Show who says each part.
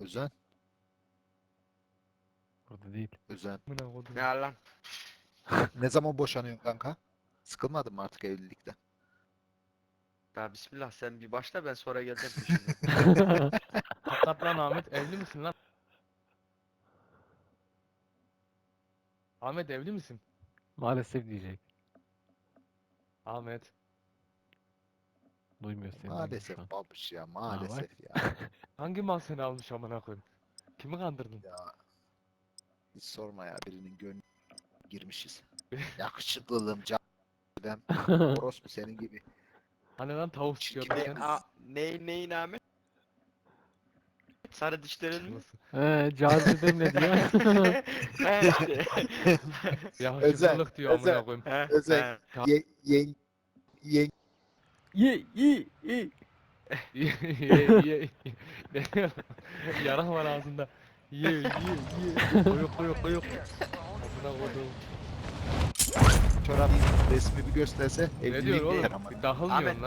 Speaker 1: Özen.
Speaker 2: Burada değil.
Speaker 1: Özen.
Speaker 3: Amına kodum.
Speaker 4: Ne lan?
Speaker 1: Ne zaman boşanıyorsun kanka? Sıkılmadın mı artık evlilikten?
Speaker 4: Ya bismillah sen bir başla ben sonra geleceğim peşinden.
Speaker 3: Hakikat lan Ahmet, evli misin lan? Ahmet, evli misin?
Speaker 2: Maalesef diyecek.
Speaker 3: Ahmet.
Speaker 2: Duymuyor seni.
Speaker 1: Maalesef
Speaker 2: şu an.
Speaker 1: babuş ya
Speaker 2: bak.
Speaker 1: maalesef ya.
Speaker 3: Hangi mal seni almış amına koyayım? Kimi kandırdın?
Speaker 1: Ya hiç sorma ya birinin gönlüne girmişiz. Yakışıklılığım canım. Orospu senin gibi.
Speaker 3: Hani lan tavuk çıkıyordun
Speaker 1: Ne-
Speaker 3: sen?
Speaker 4: Neyin Ahmet? Sarı dişlerin mi?
Speaker 3: Nasıl?
Speaker 2: Cazibem ne diyor?
Speaker 4: He işte.
Speaker 3: Yakışıklılık diyor amına
Speaker 1: özel.
Speaker 3: koyayım.
Speaker 4: He,
Speaker 1: Özel.
Speaker 4: he.
Speaker 1: Ye.
Speaker 2: Ye ye ye.
Speaker 3: Ye. Yarak var ağzında. Ye. Koyuk. Amına kodum.
Speaker 1: Çorabın resmi bir gösterse
Speaker 3: Ne diyor
Speaker 1: evlilik
Speaker 3: oğlum?
Speaker 1: değil ama.
Speaker 3: Bir dahılmıyorsun
Speaker 4: Ahmet,
Speaker 3: lan.